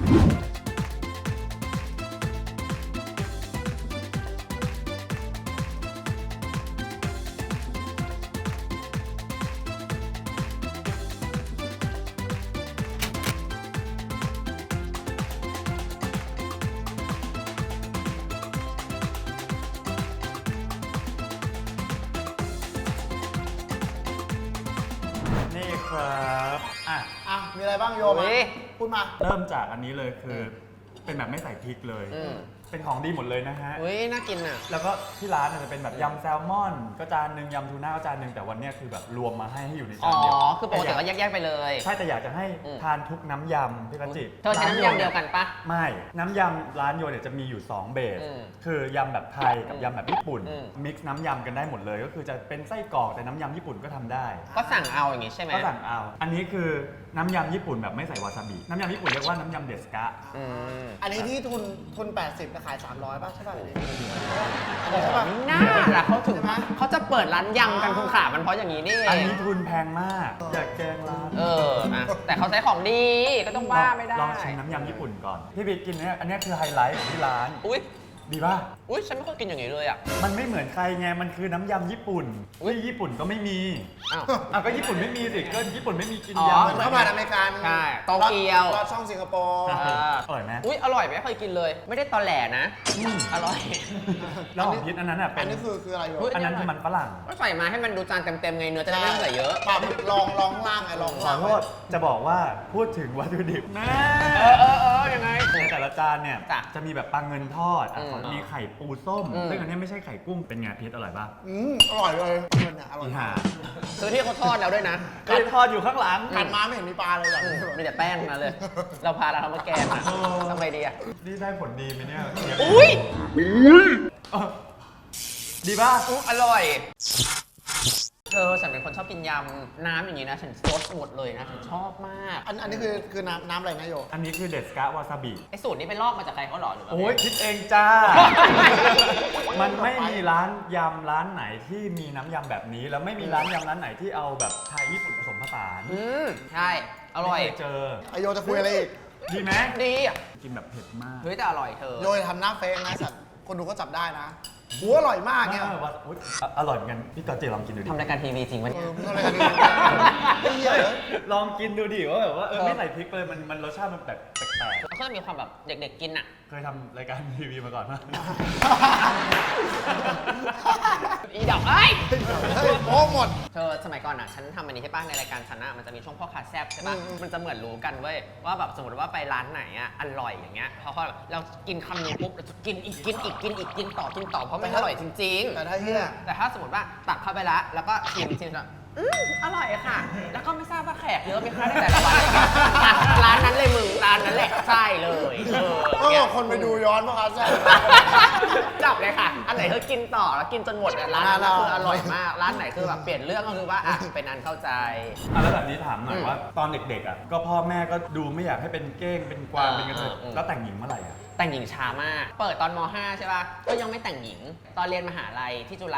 B: นี่ครับอ่ะ
A: อ่ะ มีอะไรบ้างโยมา
C: เฮ้ย
A: พูดมา
B: เริ่มจากอันนี้เลยคือเป็นแบบไม่ใส่พริกเลย
C: อืม
B: เป็นของดีหมดเลยนะฮะ
C: อุ้ยน่ากินอ่ะ
B: แล้วก็ที่ร้านเนี่ยจะเป็นแบบยำแซลมอน ก็จานหนึ่งยำทูน่าก็จานหนึ่งแต่วันเนี้ยคือแบบรวมมาให้ให้อยู่ใน
C: อ๋
B: จา
C: อน
B: เดียว
C: คือปกติก็แยกๆไปเลย
B: ใช่แต่อยากจะให้
C: อืม
B: ทานทุกน้ำยำพี่กัจจิ
C: เธอใช้น้ำยำเดียวกันปะ
B: ไม่ น้ำยำร้านโยเนี่ยจะมีอยู่ สอง เบส
C: อืม
B: คือยำแบบไทยกับ
C: อืม
B: ยำแบบญี่ปุ่น
C: อืม
B: มิกซ์น้ำยำกันได้หมดเลย ก็คือจะเป็นไส้กรอกแต่น้ำยำญี่ปุ่นก็ทำได้
C: ก็สั่งเอาอย่างงี้ใช่ไหม
B: ก็สั่งเอา อันนี้คือน้ำยำญี่ปุ่นแบบไม่ใส่วาซาบิ น้ำยำญี่ปุ่นเรียกว่าน้ำยำเดสกะ
C: อืม
A: อันนี้ที่ทุนทุน แปดสิบจะขาย สามร้อยป่ะใช่ป่ะอันนี้ใช่ป่ะ
C: น่าล่ะเขาถึง
A: ใช่ไหม
C: เขาจะเปิดร้านยำกันคุณขามันเพราะอย่างนี้นี่เอ
B: อัน
C: ง
B: นี้ทุนแพงมาก อยากแกงร้าน
C: เอออะแต่เขาใช้ของดีก็ต้องว่าไม่ได้
B: ลองชิมน้ำยำญี่ปุ่นก่อน พี่บิ๊กกินเนี่ยอันเนี้ยคือไฮไลท์ของที่ร้าน
C: อุ้ย
B: ดีป่ะ
C: อุ้ยฉันไม่เคยกินอย่างนี้เลยอ่ะ
B: มันไม่เหมือนใครไง มันคือน้ำยำญี่ปุ่น
C: อุ๊ย
B: ที่ญี่ปุ่นก็ไม่มี
C: อ้าว
B: อ่ะก็ญี่ปุ่นไม่มีสิ ก็ญี่ปุ่นไม่มีกิน
C: อ๋อ
B: ยำ
A: เหมือนเข้ามาในอเมริกัน
C: ใช่โตเกียว
A: รอดช่องสิงคโปร์
B: ใช่
C: อ่า
B: อร่อยไหม
C: อุ้ยอร่อยไหมเคยกินเลย ไม่ได้ตอแหลนะ
B: อืม
C: อร่อย
B: แล้วของพิษอันนั้นอ่ะเป็
A: อั
B: น
A: นนี้คือคืออะไรโย
C: อุ๊ย
B: อันนั้นคือมันฝรั่ง
C: ก็ใส่มาให้มันดูจานเต็มๆไงเนื้อจะได้ไม่ต้องใส่เยอะ
A: ปรับลองลองล่างไงลอง
B: ขอ
A: ล่าง
B: โทษ จะบอกว่าพูดถึงวัตถุดิบนะ
C: เออเออเออยังไง
B: ในแต่ละจานเนี่ย
C: จ้ะ
B: จะมีแบบปลาเงินทอดอ่ะ
C: อืม
B: ขอมีไข่ปูส้ม
C: อืม
B: ซึ่งอันเนี้ยไม่ใช่ไข่กุ้ง เป็นไงพิษอร่อยป่ะ
A: อืมอร่อยเลยเงินเนี่ยอร่อย
B: อีห่า
C: ซื้อที่เขาทอดแล้วด้วยนะ
B: ไข่ทอดอยู่ข้างหลัง
A: กัดมาไม่เห็นมีปลาเลยแบบ
C: อืม
A: นี้
C: มีแต่แป้งทั้งนะเลย เราพาเราทำมาแกงอะ
B: เออ
C: ทำไงดีอะ
B: นี่ได้ผลดีไหมเนี่ยเชฟ
C: อุ้ย
B: เออดีป่ะ
C: อุ๊ยอร่อย เธอฉันเป็นคนชอบกินยำน้ำอย่างนี้นะ ฉันซดหมดเลยนะ ฉันชอบมาก
A: อันอันนี้คือคือน้ำน้ำอะไรนะโย
B: อันนี้คือเดสกะวาซาบิ
C: ไอ้สูตรนี้ไปลอกมาจากใครเขาหรอหรือว่า
B: โอ้ยคิดเองจ้า มันไม่มีร้านยำร้านไหนที่มีน้ำยำแบบนี้ แล้วไม่มีร้านยำร้านไหนที่เอาแบบไทยญี่ปุ่นผสมผสาน
C: อืมใช่ อร่อย
B: ไม่เคเจอ
A: ไอโยจะคุยอะไรอีก
B: ดีไหม
C: ดีอะ
B: กินแบบเผ็ดมาก
C: เฮ้ยแต่อร่อยเธอ
A: โยจะทำหน้าเฟกนะสัตว์คนดูก็จับได้นะหัวอร่อยมากเนี่ย
B: เออว่าอุ๊ยอ่ะอร่อยเหมือนกันพี่กอตเจลองกินดูดิ
C: ทำรายการทีวีจริงปะ
A: เอ
C: เนี่ย
A: อมึงอะไรกันดีไอ้เหี้ยเหรอ
B: ลองกินดูดิว่าแบบว่าเออ
C: เออ
B: ไม่ใส่พริกเลยมันมันรสชาติมันแปลกแปลก
C: เขาจะมีความแบบเด็กๆกินอะ
B: ๆเคยทำรายการทีวีมาก่อนไหม
C: อีดอกเอ้ย
A: เฮ้ยโอ้หมด
C: เธอสมัยก่อนอ่ะฉันทำอันนี้ใช่ป่ะในรายการฉันอ่ะมันจะมีช่วงพ่อค้าแซ่บใช่ป่ะ
A: อืมอืม
C: มันจะเหมือนรู้กันเว้ยว่าแบบสมมติว่าไปร้านไหนอ่ะอร่อยอย่างเงี้ยพอเขาแบบเรากินคำนึงปุ๊บเราจะกินอีกกินอีกกินอีกกินต่อกินต่อเพราะมันอร่อยจริง
A: แต่ถ้าเหี้ย
C: ๆ แต่ถ้าสมมติว่าตักเข้าไปแล้วแล้วก็ชิมชิมแบบอืมอร่อยค่ะ แล้วก็ไม่ทราบว่าแขกเยอะไหมคะในแต่ละวันอ่ะร้านนั้นเลยมึงร้านนั้นแหละใช่เลยเออ
A: ก็บอกคนไปดูย้อนเพราะเขาใช่
C: จับเลยค่ะ อันไหนคือกินต่อแล้วกินจนหมดอะร้านนั้น
A: ร้านเรา
C: คืออร่อยมาก ร้านไหนคือแบบเปลี่ยนเรื่องก็คือว่าอ่ะเป็นอันเข้าใจ
B: อ่ะแล้วแบบนี้ถามหน่อย
C: อืม
B: ว่าตอนเด็กๆอ่ะก็พ่อแม่ก็ดูไม่อยากให้เป็นเก้งเป็นกวาง
C: อ่า
B: เป็นกระเทย
C: อืม
B: แล้วแต่งหญิงเมื่อไหร่อ่ะ
C: แต่งหญิงช้ามาก เปิดตอนม .ห้า ใช่ป่ะ ก็ยังไม่แต่งหญิง ตอนเรียนมหาลัยที่จุฬา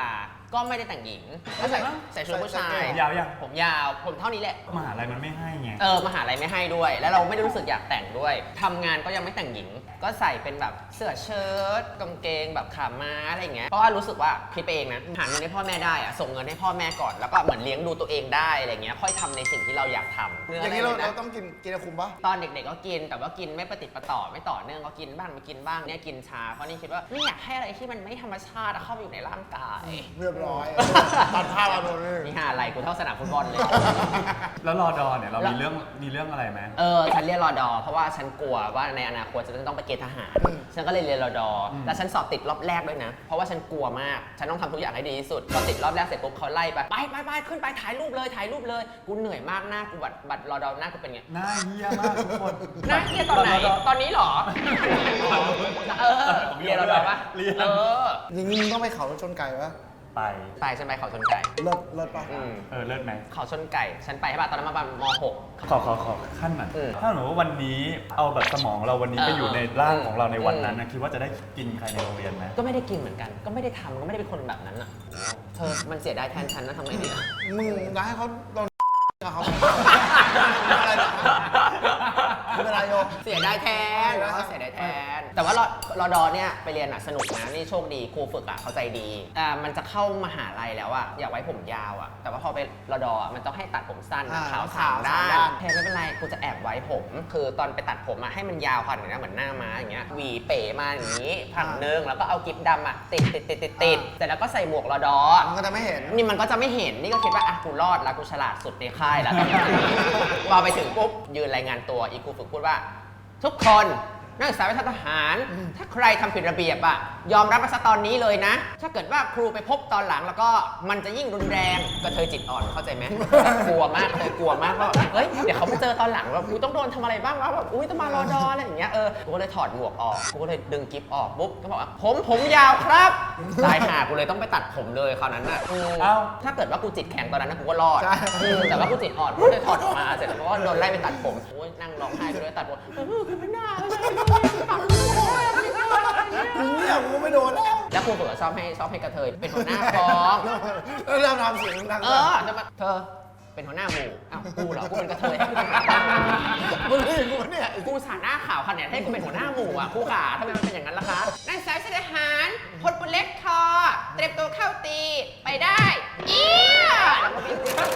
C: ก็ไม่ได้แต่งหญิงก็ใส่ใส่ชุดผู้ชาย
B: ยาวยัง
C: ผมยาวผมเท่านี้แหละ
B: มหาลัยมันไม่ให้ไง
C: เออมหาลัยไม่ให้ด้วย แล้วเราไม่ได้รู้สึกอยากแต่งด้วยทำงานก็ยังไม่แต่งหญิง ก็ใส่เป็นแบบเสื้อเชิ้ตกางเกงแบบขาม้าอะไรอย่างเงี้ยเพราะว่ารู้สึกว่าคิดไปเองนะหาเงินให้พ่อแม่ได้อะส่งเงินให้พ่อแม่ก่อนแล้วก็เหมือนเลี้ยงดูตัวเองได้อะไรเงี้ยค่อยทำในสิ่งที่เราอยากทำ
A: อย่างนี้เราเราต้องกินกินคุมปะ
C: ตอนเด็กๆก็กินแต่ว่ากินไม่ประติดประต่อไม่ต่อเนื่องก็กินบ้างไม่กินบ้างเนี่ยกินชาเพราะนี่คิดว่าไม่อยากให้อะไรที่มันไม่ธรรมชาติเข้าไปอยู่ในร่างกาย
A: เรียบร้อยตัดภาพมาโดนเลย
C: นี่หาอะไรกูเท่าสนามฟุตบอลเลย
B: แล้วรอดอเนี่ยเรามีเรื่องมีเรื่องอะไรไหม
C: เออฉันเรียนรอดอเพราะว่าฉันกลัวว่าในอนาคตฉันจะต้องไปเกณฑ์ทหารฉันก็เลยเรียนรอดอแล้วฉันสอบติดรอบแรกด้วยนะเพราะว่าฉันกลัวมากฉันต้องทำทุกอย่างให้ดีที่สุดพอติดรอบแรกเสร็จปุ๊บเขาไล่ไปไปไปไปขึ้นไปถ่ายรูปเลยถ่ายรูปเลยกูเหนื่อยมากหน้ากูบัตรบัตรรอดอหน้ากูเป็นไง
B: หน้าเหี้ยมากทุกคน
C: หน้าเรียนตอนไหนตอนนี้เหรอเออเรียนรอดอปะ
B: เรียน
C: เออ
A: อย่างนี้มึงต้องไปเขารถชนไก่ปะ
B: ไป
C: ไปฉันไปเขาชนไก่
A: เลิศเลิศปะ
C: อืม
B: เออเลิศไหม
C: เขาชนไก่ฉันไปใช่ป่ะตอนนั้นมาประมาณม หก
B: ขอขอขอขั้นหน่อย
C: อืม
B: ถ้าสมมติว่าวันนี้เอาแบบสมองเราวันนี้
C: เออ
B: ไปอยู่ในร่างของเราในวันนั้น
C: อื
B: นะ
C: ม
B: คิดว่าจะได้กินใครในโรงเรียนไหม
C: ก็ไม่ได้กินเหมือนกัน ก็ไม่ได้ทำก็ไม่ได้เป็นคนแบบนั้นอ่ะเธอมันเสียดายแทนฉันนะทำไงดีอะ
A: มึงจะให้เขาโดนกับเขาอะไรนะไม่เป็นไรโย
C: เสียดายแทนแล้วก็เสียดายแทน แต่ว่ารอรอดอเนี่ยไปเรียนอ่ะสนุกนะนี่โชคดีครูฝึกอ่ะเข้าใจดีอ่ามันจะเข้ามหาลัยแล้วอ่ะอยากไว้ผมยาวอ่ะแต่ว่าพอไปรอดออ่ะมันต้องให้ตัดผมสั้น
A: อ่า
C: ขาว
A: ขา
C: สาว มด้า
A: สามด้าน น
C: แทนไม่เป็นไรกูจะแอบไว้ผม คือตอนไปตัดผมอ่ะให้มันยาวขนาดนี้เหมือนหน้าม้าอย่างเงี้ยหวีเป๋มาอย่างนี้ผังนึงแล้วก็เอากิ๊บดำอ่ะติดติดติดติดติดเสร็จแล้วก็ใส่หมวกรอดอ
A: มันก็จะไม่เห็น
C: นี่มันก็จะไม่เห็น นี่ก็คิดว่าอ่ะกูรอดแล้วกูฉลาดสุดในค่ายแล้ว พอไปถึงปุ๊บยืนรายงานตัวอีครูฝึกพูดว่า ทุกคนนักศึกษาวิชาทหาร ถ้าใครทำผิดระเบียบอ่ะยอมรับมาซะตอนนี้เลยนะ ถ้าเกิดว่าครูไปพบตอนหลังแล้วก็มันจะยิ่งรุนแรงกระเทยจิตอ่อนเข้าใจไหม กลัวมากเลยกลัวมากว่าเฮ้ยเดี๋ยวเขาไปเจอตอนหลังว่ากูต้องโดนทำอะไรบ้างวะแบบอุ้ยต้องมารอดออะไรอย่างเงี้ยเออกูก็เลยถอดหมวกออกกูก็เลยดึงกิ๊บออกปุ๊บก็บอกว่าผมผมยาวครับตายห่ากูเลยต้องไปตัดผมเลยคราวนั้นอ่ะอืม
B: เอ้า
C: ถ้าเกิดว่ากูจิตแข็งตอนนั้นนะกูก็รอด
A: ใช่
C: อืมแต่ว่ากูจิตอ่อนกูเลยถอดออกมาเสร็จแล้วก็โดนไล่ไปตัดผมโอ้ยนั่งร้องไห้ไปด้วยตัดผมเออคือไม่น่าเลยตัดไม่ได้ไม่ได้อะไรเงี้ย
A: มึงเนี่ยกูไม่โดนแล้ว
C: แล้วครูฝึกก็ชอบให้ชอบให้กระเทยเป็นหัวหน้ากอง
A: แล้วเราทำเสียงดัง
C: เออจะมาเธอเป็นหัวหน้าหมู่อ้าวกูเหรอกูเป็นกระเทย
A: มึงเห็นกูเนี่ย
C: กูสาหน้าข่าวขนาดให้กูเป็นหัวหน้าหมู่อ่ะครูขาทำไมมันเป็นอย่างนั้นล่ะคะนักศึกษาวิชาทหารพลปืนเล็กคอเตรียมตัวเข้าตีไปได้เอี้ยแล้วก็วิ่ง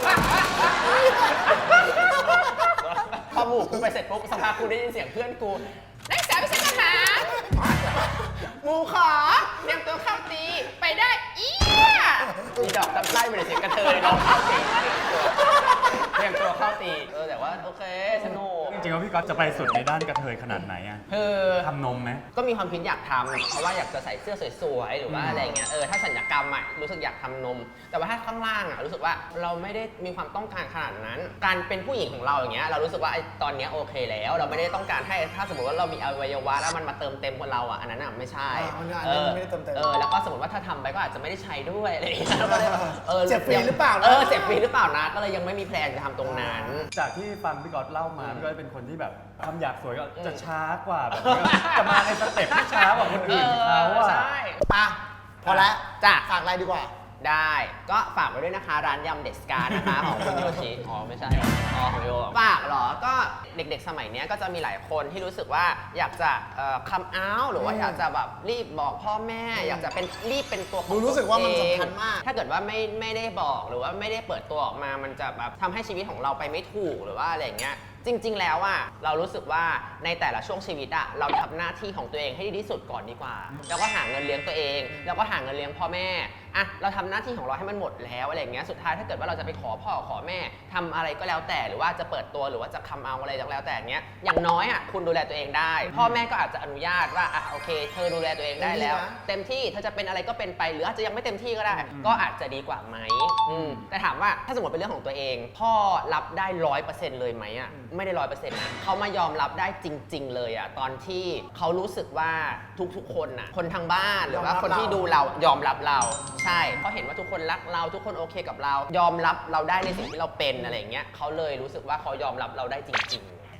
C: พอหมู่กูไปเสร็จปุ๊บสักพักกูได้ยินเสียงเพื่อนกูนักศึกษาวิชาทหารหมู่ขอเตรียมตัวเข้าตีไปได้เอี้ยมีดอกตำไล่ไปเลยเสียงกระเทยร้องเข้าตีเตรียมตัวเข้าตีเออแต่ว่าโอเคสนุก
B: จริงๆว่าพี่ก๊อตจะไปสุดในด้านกระเทยขนาดไหนอะ
C: คือ
B: ทำนมไหม
C: ก็มีความคิดอยากทำเพราะว่าอยากจะใส่เสื้อสวยๆหรือว่า
B: อืม
C: อะไรเงี้ยเออถ้าสัญญกรรมอ่ะรู้สึกอยากทำนม แต่ว่าถ้าข้างล่างอ่ะรู้สึกว่าเราไม่ได้มีความต้องการขนาดนั้น การเป็นผู้หญิงของเราอย่างเงี้ยเรารู้สึกว่าไอ้ตอนเนี้ยโอเคแล้ว เราไม่ได้ต้องการให้ถ้าสมมติว่าเรามีอวัยวะแล้วมันมาเติมเต็มคนเราอ่ะอันนั้นอ่ะไม่ใช่
A: อ่าอันนั้น
C: เออ
A: ไม่ได้เติมเต็ม
C: เออแล้วก็สมมติว่าถ้าทำไปก็อาจจะไม่ได้ใช้ด้วยอะไรอย่างเงี้ยก็เลยเออ
A: เจ็บฟรีหรือเปล่านะ
C: เออเจ็บฟรีหรือเปล่านะก็เลยยังไม่มีแพลนจะทำตรงนั้น
B: จากที่ฟังพี่ก๊อตเล่ามา
C: อืม
B: พี่ก๊อตเป็นคนที่แบบความอยากสวยก็
C: อืม
B: จะช้ากว่าแบบจะมาในสเต็ปที่ช้ากว่าคนอื่นเขาอะ
C: ใช่
A: อ่ะพอแล้ว
C: จ้ะ
A: ฝากอะไรดีกว่า
C: ได้ก็ฝากไว้ด้วยนะคะร้านยำเดสกานะคะ ของคุณโยชิอ๋อไม่ใช่อ๋อของโยฝากเหรอก็เด็กๆสมัยเนี้ยก็จะมีหลายคนที่รู้สึกว่าอยากจะคัมเอาท์หรือว่า
A: อืม
C: อยากจะแบบรีบบอกพ่อแม่ อยากจะเป็นรีบเป็นตัวของ
A: ดูรู้สึกว่ามัน
C: ตัวเอง
A: สำคัญมาก
C: ถ้าเกิดว่าไม่ไม่ได้บอกหรือว่าไม่ได้เปิดตัวออกมามันจะแบบทำให้ชีวิตของเราไปไม่ถูกหรือว่าอะไรอย่างเงี้ยจริง ๆ แล้วอ่ะเรารู้สึกว่าในแต่ละช่วงชีวิตอ่ะเราทำหน้าที่ของตัวเองให้ดีที่สุดก่อนดีกว่า แล้วก็หาเงินเลี้ยงตัวเอง แล้วก็หาเงินเลี้ยงพ่อแม่อ่ะเราทำหน้าที่ของเราให้มันหมดแล้วอะไรอย่างเงี้ยสุดท้ายถ้าเกิดว่าเราจะไปขอพ่อขอแม่ทำอะไรก็แล้วแต่หรือว่าจะเปิดตัวหรือว่าจะคัมเอาอะไรก็แล้วแต่เงี้ยอย่างน้อยอ่ะคุณดูแลตัวเองได้ พ่อแม่ก็อาจจะอนุญาตว่าอ่ะโอเค เธอดูแลตัวเองได้แล้ว เต็มที่เธอจะเป็นอะไรก็เป็นไปหรืออาจจะยังไม่เต็มที่ก็ได้ ก็อาจจะดีกว่าไหมอืมแต่ถามว่าถ้าสมมติเป็นเรื่องของตัวเอง พ่อรับได้ร้อยเปอร์เซ็นต์เลยไหมอ่ะไม่ได้ร้อยเปอร์เซ็นต์นะเขามายอมรับได้จริง ๆ เลยอ่ะตอนที่เขารู้สึกว่าทุกๆคนน่ะคนทางบ้านหรือว่าคนที่ดูเรายอมรับเราใช่เพราะเห็นว่าทุกคนรักเราทุกคนโอเคกับเรา ยอมรับเราได้ในสิ่งที่เราเป็นอะไรอย่างเงี้ยเขาเลยรู้สึกว่าเขายอมรับเราได้จริง ๆ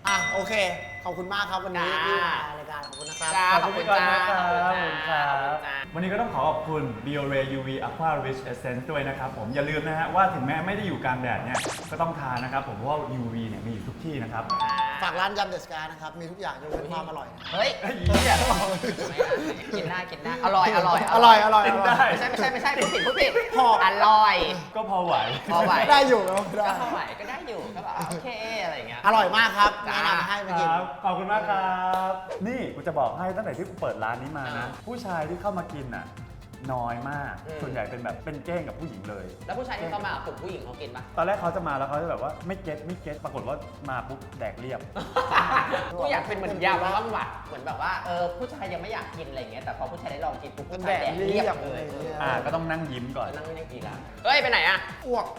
A: อ่ะโอเค ขอบคุณมากครับวันนี้
C: จ้า
A: ที่มารายการขอบคุณนะครับ
C: จ้า
B: ขอบคุณจ้าขอบคุณ
C: ขอบคุณจ้า
B: วันนี้ก็ต้องขอขอบคุณ Biore ยู วี Aqua Rich Essence ด้วยนะครับผมอย่าลืมนะฮะว่าถึงแม้ไม่ได้อยู่กลางแดดเนี่ยก็ต้องทานนะครับผมเพราะว่า ยู วี เนี่ยมีอยู่ทุกที่นะครับ
A: ฝากร้านยำเดอะสกานะครับ มีทุกอย่างยกเว้นความอร่อยนะ
C: เฮ้ย
B: ไอ้เหี้ย
C: กินได้กินได้ อร่อย อร่อย
A: อร่อยอร่อย
B: กิน
A: อ
B: ได้
A: ร่อย
C: ไม่ใช่ไม่ใช่ไม่ใช่พูดผิดพูดผิด
A: พอ
C: อร่อย
B: ก็พอไหว
C: พอไหว
A: ได้อยู่แล้วได้
C: ก็พอไหวก็ได้อยู่ก็แบบโอเคอะไรอย่างเงี้ย
A: อร่อยมากครับ
C: จ้า
A: แนะนำให้มากิน
B: ครับขอบคุณมากครับ นี่กูจะบอกให้ตั้งแต่ที่กูเปิดร้านนี้มานะ
C: อ่า
B: ผู้ชายที่เข้ามากินอ่ะน้อยมาก
C: อืม
B: ส่วนใหญ่เป็นแบบเป็นเก้งกับผู้หญิงเลย
C: แล้วผู้ชายที่เข้ามากลุ่มผู้หญิงเขากินปะ
B: ตอนแรกเขาจะมาแล้วเขาจะแบบว่าไม่เก็ตไม่เก็ตปรากฏว่ามาปุ๊บแดกเรียบ
C: กูอยากเป็นเหมือนยำบ้างว่ะเหมือนแบบว่าเออผู้ชายยังไม่อยากกินอะไรอย่างเงี้ยแต่พอผู้ชายได้ลองกินปุ๊บผู้ชายแดกเรียบเลย
B: อ่าก็ต้องนั่งยิ้มก่อน
C: นั่งไม่ได้กินละเฮ้ยไปไหนอะ
A: อ้วก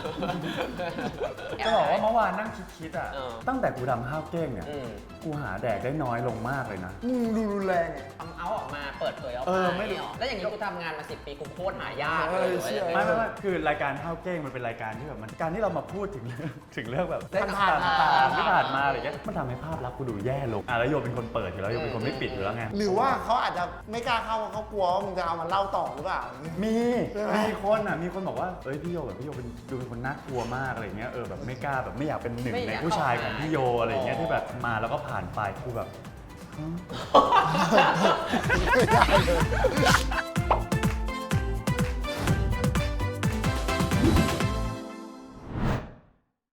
B: จะบอกว่าเมื่อวานนั่งคิดๆอ่ะ
C: เออ
B: ตั้งแต่กูทำข้าวเก้งเนี่ย
C: อืม
B: กูหาแดกได้น้อยลงมากเลยนะ
A: มึงดูรุนแรงไง
C: ทำเอาออกมาเปิดเผยออก
B: เอ
C: มา
B: อไม่รู้
C: หรแล้วอย่างนี้กูทำงานมาสิบปีกูโคตรหายาก
A: เอ
C: เล
A: อย เชื่อ
B: ไม่ไม่ไม่คือรายการข้าวเก้งมันเป็นรายการที่แบบมันการที่เรามาพูดถึงเรื่องถึงเรื่องแบบ
A: ผ่านๆ
B: ต่างๆที่
C: ผ่า
B: ผ่าน น
C: ๆ
B: มาอะไรเงี้ยมันทำให้ภาพลักษณ์กูดูแย่ลงอ่ะแล้วโยเป็นคนเปิดอยู่แล้วโยเป็นคนไม่ปิดอยู่แล้วไง
A: หรือว่าเขาอาจจะไม่กล้าเข้าเพราะเขากลัวว่ามึงจะเอามาเล่าต่อหรือเปล่า
B: มี
A: ใช่ไหม
B: มีคนอ่ะมีคนบอกว่าเอ้ยพี่โยแบบพี่โยเป็นดูเป็นคนน่ากลัวมากอะไรเงี้ยเออแบบไม่กล้าแบบไม่อยากเป็นหนึ่ง
C: ไม่
B: ใน
C: อยาก
B: ผู้ชาย
C: เข้า
B: ของ
C: หา
B: พี่โยอะไรเงี้ยที่แบบมาแล้วก็ผ่านไปกูแบบ
A: ไม่ได้เลย